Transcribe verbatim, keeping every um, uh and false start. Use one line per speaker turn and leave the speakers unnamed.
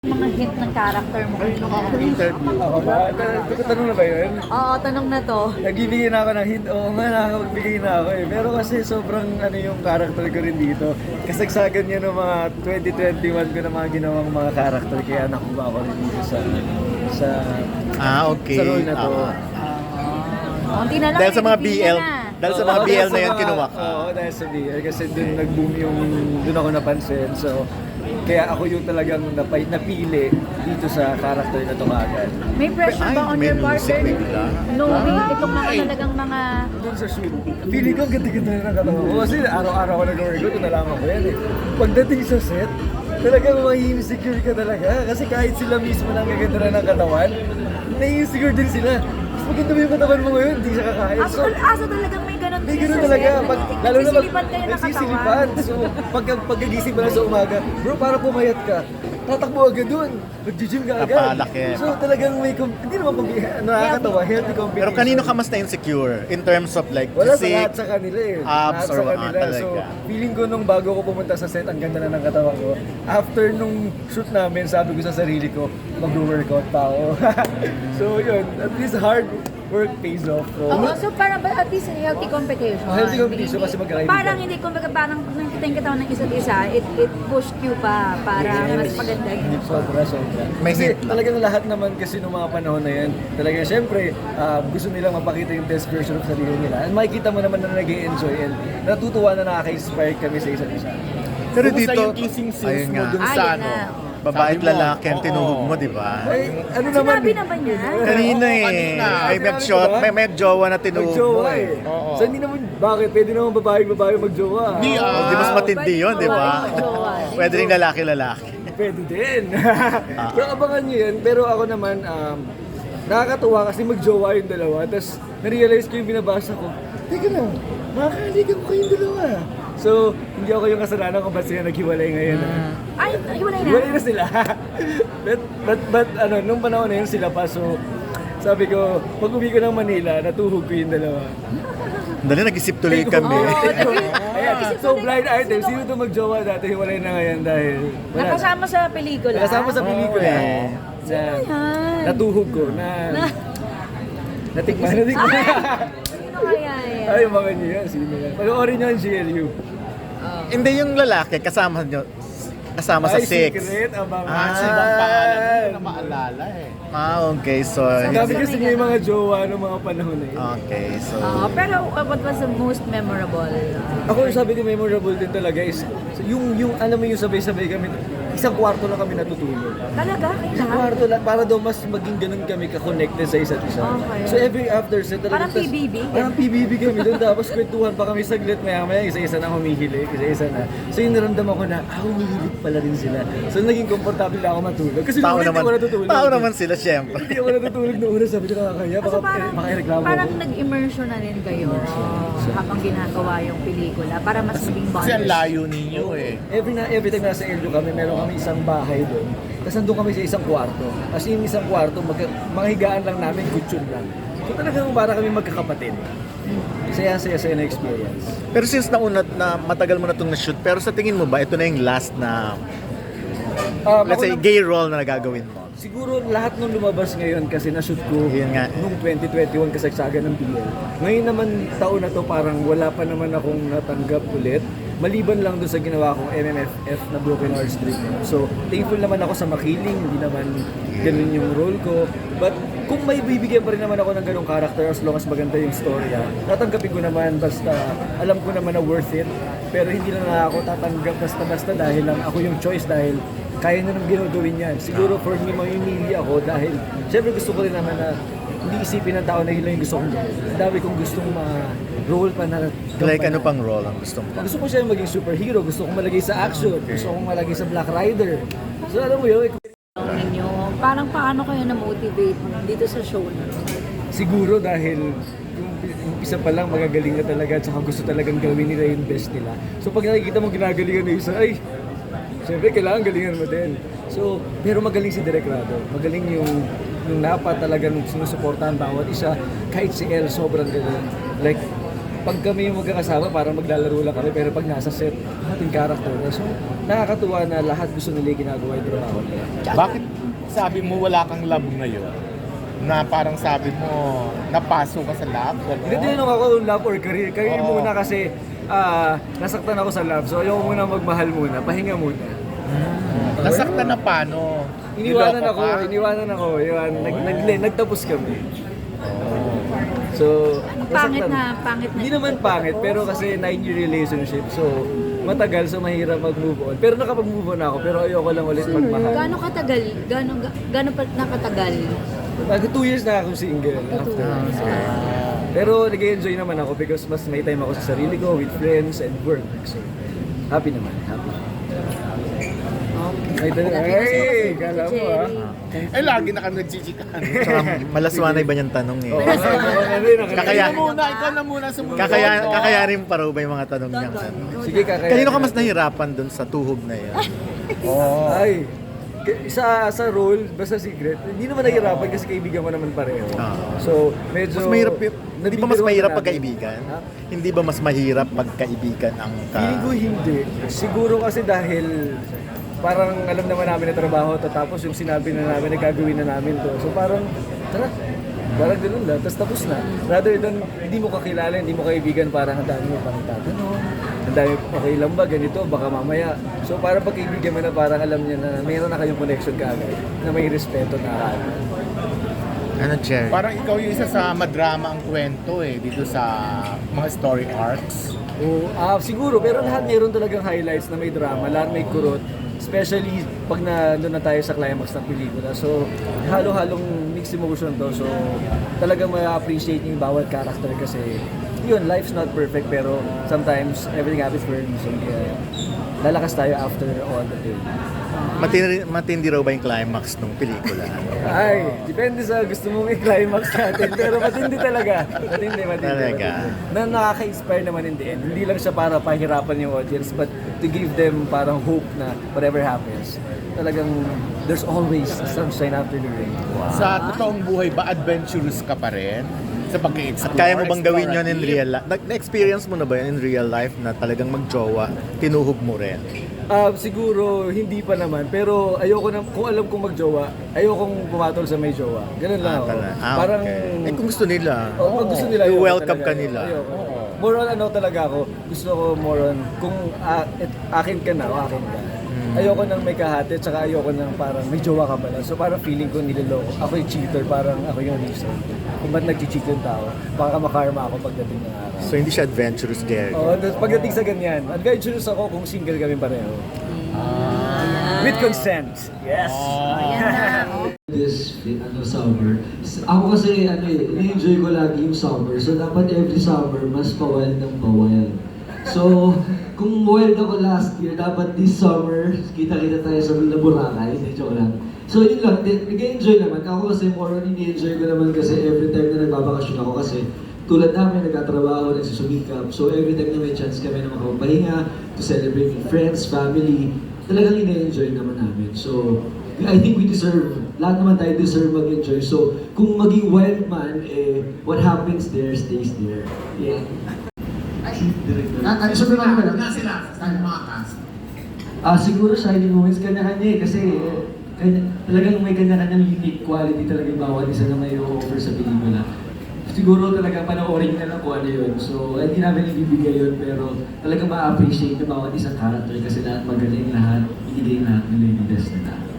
Mga hint ng character mo kanina.
Interview. Ako ba? Tanong na ba yun?
Oo, tanong na to.
Nagbibigay na ako ng hint. Oo nga, nakakapagbigay na ako eh. Pero kasi sobrang ano yung character ko rin dito. Kasagsagan niya ng mga twenty twenty-one ko na mga ginawang mga character. Kaya nakuha ako rin dito sa sa
Ah, okay.
sa role na to.
Ah.
Konti na lang.
Dahil sa mga B
bibigyan
L,
na.
dahil sa mga
Oo,
B L
dahil
na
sa
yan
mga-
kinuha ka.
Oo, dahil sa B L. Kasi dun nag-boom yung, dun ako napansin. So, kaya ako yung talagang napay, napili dito sa character na to kagad.
May pressure
Ay,
ba on
may
your
music
partner?
bigla.
No, may itong mga talagang mga...
Doon sa shoot, feeling ko ang ganda-ganda na ng katawan ko. Kasi araw-araw ko nag-workout, nalaman ko yan eh. Pagdating sa set, talagang ma-insecure ka talaga. Kasi kahit sila mismo na ang gaganda na ng katawan, na-insecure din sila. Mas maganda mo yung katawan mo ngayon, hindi siya kakain.
Aso,
So,
aso talagang may ganun
may
din
ganun
sa
talaga.
set.
Pag, lalo na pag
Nagsisilipan kayo ng
nagsisilipan.
katawan.
So, pag, pagkagising pa lang sa umaga, bro, para pumayat ka, tatakbo agad dun. Mag-gym ka agad.
Napalaki.
So, talagang may, com- hindi naman competition, nakakatawa, healthy competition.
Pero kanino ka mas na-insecure in terms of like
Wala sa
physique?
lahat sa kanila eh.
abs,
Lahat
or
sa
what,
kanila.
ah,
So,
talaga.
feeling ko nung bago ko pumunta sa set, ang ganda na ng katawan ko. After nung shoot namin, sabi ko sa sarili ko, mag-workout pa ako. So yun, at least hard work pays off. So,
Oo, so parang ba- at least healthy competition.
Oh, healthy competition
Hindi-
kasi magkakaibigan.
Parang hindi, kumbaga parang kung nakikita yung katawan ng isa't isa, it, it pushed you pa para mas maganda yun.
sobra, sobra.
May
Kasi
hit lang.
talagang lahat naman kasi nung mga panahon na yan, talagang syempre, ah, gusto nilang mapakita yung best version of sarili nila. And makikita mo naman na nag-enjoy and natutuwa na nakaka-inspire kami sa isa't isa.
Pero
Kumusta
dito,
yung kissing scenes
ayun
mo
nga,
dun
Ah,
sa
yun
ano?
na.
babae at
Sabi mo,
lalaki ang
oo.
tinuhog mo, di ba?
Ay, ano naman?
Sinabi na ba niya?
Kanina
Oo,
eh.
kanina.
Ay, may,
Sinabi
shot,
ko ba?
may, may jowa na tinuhog mo
Mag-jowa
eh.
eh.
Oo.
So hindi naman, bakit? Pwede naman babae-babae mag-jowa.
Hindi, ah.
Oh, di mas matindi yun, di ba?
Babae mag-jowa.
Pwede rin lalaki-lalaki.
Pwede din. Pero abangan nyo yun. Pero ako naman, um, nakakatuwa kasi mag-jowa yung dalawa. Tapos na-realize ko yung binabasa ko, teka lang, makakaligan ko kayong dalawa. So, hindi ako yung kasalanan kung ba't sila naghiwalay ngayon.
Ay, hiwalay na.
Hiwalay na sila. but, but, but, ano, nung panahon na yun sila pa. So, sabi ko, pag uwi ko ng Manila, natuhog ko yung dalawa.
Dali, nag-isip tuloy kami.
Oo,
Ayan, so blind item, sino to mag-jowa dati, hiwalay na ngayon dahil wala.
Nakasama sa pelikula.
Nakasama sa pelikula.
Oo,
eh. Na,
yan?
natuhog ko na, natikman, natikman.
Sino kaya yan?
Ay, mga niyo yan, sino yan? Panoorin niyo ang G L U.
Hindi yung lalaki, kasama nyo, kasama sa
Ay,
six.
secret, abang.
Ah.
Kasi ibang pangalan, hindi ko na maalala eh.
Ah, okay. So,
Ang dami kasi niya yung mga jowa ng mga panahon na yun.
okay. So,
Oo, pero uh, what was the most memorable? Uh,
Ako yung sabi ko memorable din talaga is yung yung alam mo yung sabay-sabay kami isang kwarto lang kami natutulog.
talaga?
Isang
Kailangan?
kwarto lang para daw mas maging ganun kami ka-connected sa isa't isa.
Okay.
So every after set talaga
Parang P B B?
Parang P B B kami doon tapos kwentuhan pa kami saglit maya-maya isa-isa na humihilig, isa-isa na. So yung naramdaman ko na ah, humihilig pala rin sila. So naging komportable ako matulog kasi
tao
noong una hindi
naman,
ako natutulog.
tao naman sila, syempre.
Hindi ako natutulog noong una sabi ko nakakaya baka
So parang,
makireklamo
parang
ako.
nag-immersion na rin kayo habang ginagawa yung pelikula para mas maging
Kasi ang
bonders.
layo ninyo eh.
Every na every time nasa L U kami, meron kami isang bahay doon. Tapos nandun kami sa isang kwarto. As in, isang kwarto, mag, mga higaan lang namin, kutsyon lang. So talagang para kami magkakapatid. Saya-saya-saya na experience.
Pero since nauna na matagal mo na itong na-shoot, pero sa tingin mo ba, ito na yung last na,
Um,
let's
ako
say,
na-
gay role na nagagawin mo?
Siguro lahat nung lumabas ngayon kasi na-shoot ko
Yun nga.
nung twenty twenty-one kasagsagan ng P L. Ngayon naman taon na to parang wala pa naman akong natanggap ulit. Maliban lang doon sa ginawa kong M M F F na Broken Hearts Dream. So, thankful naman ako sa Makiling, hindi naman ganun yung role ko. But kung may bibigyan pa rin naman ako ng ganung character as long as maganda yung storya, tatanggapin ko naman basta alam ko naman na worth it. Pero hindi lang na ako tatanggap basta-basta dahil lang ako yung choice dahil kaya na nang ginagawin yan. Siguro for me, mamimili ako dahil syempre gusto ko rin naman na hindi isipin ng tao na yun lang yung gusto kong gawin. Ang dami kong gustong ma-role pa na
Like, ano
gampanan.
pang role ang gusto mo?
Gusto ko siya maging superhero, gusto kong malagay sa action, gusto kong malagay sa Black Rider. So alam mo yun,
Ninyo, parang paano kayo na-motivate dito sa show na to?
siguro dahil yung yung isa pa lang magagaling na talaga at saka gusto talagang gawin nila yung best nila. So pag nakikita mo ginagalingan ng isa, ay, siyempre kailangan galingan mo din. So, pero magaling si Direk Rado. Magaling yung yung napa talagang sinusuportahan bawat isa. Kahit si El, sobrang galing. Like, pag kami yung magkakasama, parang maglalaro lang kami, pero pag nasa set, ating character na. So, nakakatuwa na lahat gusto nila yung ginagawa yung trabaho nila.
Bakit sabi mo wala kang love ngayon? Na parang sabi mo, napasok ka sa love?
Hindi
Gano'n?
tinanong ako love or career. Career
Oo.
muna kasi ah, nasaktan ako sa love. So, ayoko muna magmahal muna. Pahinga muna.
Nasaktan na paano?
Iniwanan
Niloko
ako,
ka?
iniwanan ako. Iwan, nag, nag, nagtapos kami. So,
Pangit
nasaktan.
na, pangit na.
Hindi naman pangit, pero kasi nine-year relationship. So, matagal, so mahirap mag-move on. Pero nakapag-move on ako, pero ayoko lang ulit magmahal.
Gaano katagal? Gaano, ga- gaano pa nakatagal?
Mag two years na ako single. After. So, pero nag-enjoy naman ako because mas may time ako sa sarili ko, with friends and work. So, happy naman. Happy. Ay, talaga. Ay, kala mo ah.
Eh, lagi na kami nagchichikahan.
Tsaka malaswanay ba niyang tanong eh?
Oo, ay, ako na rin, ako na
Kakaya-
rin.
Ikaw muna, ikaw na muna sumunod.
Kakaya, kakayanin pa raw ba yung mga tanong niya?
Sige, kakaya.
Kanino ka mas nahirapan dun sa tuhog na yan?
Ay, k- sa sa role, basta secret, hindi naman nahihirapan kasi kaibigan mo naman pareho.
Ah.
So, medyo...
Mas mahirap yun. Hindi ba mas
nabibiruan
mahirap
natin.
pagkaibigan?
Ha?
Hindi ba mas mahirap pagkaibigan ang ka...
Feeling ko hindi. Siguro kasi dahil parang alam naman namin na trabaho to, tapos yung sinabi na namin na gagawin na namin to. So parang, tara, parang ganun lang, tapos tapos na. Rather than hindi mo kakilala, hindi mo kaibigan, parang ang dami mo pang tatanong, ang dami, okay lang ba, ganito, baka mamaya. So parang pagkaibigan mo na parang alam niya na mayroon na kayong connection kaagad, na may respeto na agad.
Ano, Cherry?
Parang ikaw yung isa sa madrama ang kwento eh, dito sa mga story arcs.
Oo, ah, siguro, pero lahat meron talagang highlights na may drama, lahat may kurot. Especially pag na doon na tayo sa climax ng pelikula. So, halo-halong mixed emotion to. So, talagang ma-appreciate yung bawat character kasi yun, life's not perfect pero sometimes everything happens for a reason. Kaya lalakas tayo after all the pain.
Matindi, matindi raw ba yung climax ng pelikula?
Ay, depende sa gusto mong i-climax natin. Pero matindi talaga. Matindi, matindi.
Talaga?
matindi. Na nakaka-inspire naman in the end. Hindi lang siya para pahirapan yung audience, but to give them parang hope na whatever happens, talagang there's always sunshine after the rain.
Sa totoong buhay ba, adventurous ka pa rin? Sa pag-i-explore?
At kaya mo bang gawin yun in
explorative?
real life? Na-experience mo na ba yun in real life na talagang magjowa, tinuhog mo rin?
Ah, siguro hindi pa naman, pero ayoko na, kung alam kong magjowa, ayokong pumatol sa may jowa. Ganun lang
Ah,
ako.
tala- ah,
Parang,
okay. Eh kung gusto nila,
oh, pag gusto nila, ayoko
welcome
talaga.
ka nila.
Ayoko. More on ano talaga ako, gusto ko more on, kung ah, et, akin ka na o akin ka.
Hmm.
Ayoko nang may kahati, tsaka ayoko nang parang may jowa ka pala. So parang feeling ko niloloko. Ako yung cheater, parang ako yung reason. Kung ba't nag-cheat yung tao, baka makarma ako pagdating ng araw.
So hindi siya adventurous, Gary.
Oo, tapos pagdating sa ganyan, adventurous ako kung single kami pareho. With consent. Yes.
Ayan na. Oh.
This ano summer. S- Ako kasi ano eh, ini-enjoy ko lagi yung summer. So dapat every summer mas pa-wild ng pa-wild. So kung wild ako last year, dapat this summer kita-kita tayo sa Villa Boracay. Hindi, joke lang. So yun lang, Di- nag-enjoy naman. Ako kasi more on ini-enjoy ko naman kasi every time na nagbabakasyon ako kasi tulad namin, nagtatrabaho, nagsusumikap. So every time na may chance kami na makapahinga, to celebrate with friends, family, talagang ina-enjoy naman namin. So, I think we deserve, lahat naman tayo deserve mag-enjoy. So, kung maging wild man, eh, what happens there stays there. Yeah.
Ay, sabi naman pala, nga sila, sa mga cast.
Ah, siguro shining moments kanya-kanya eh, kasi eh, kanya, talagang may kanya-kanyang unique quality talaga yung bawat isa na may offer sa pelikula. Siguro talaga panoorin na lang kung ano yun. So, hindi namin ibibigay yun, pero talagang ma-appreciate yung bawat isang character kasi lahat magaling lahat, ibigay lahat nila yung best nila.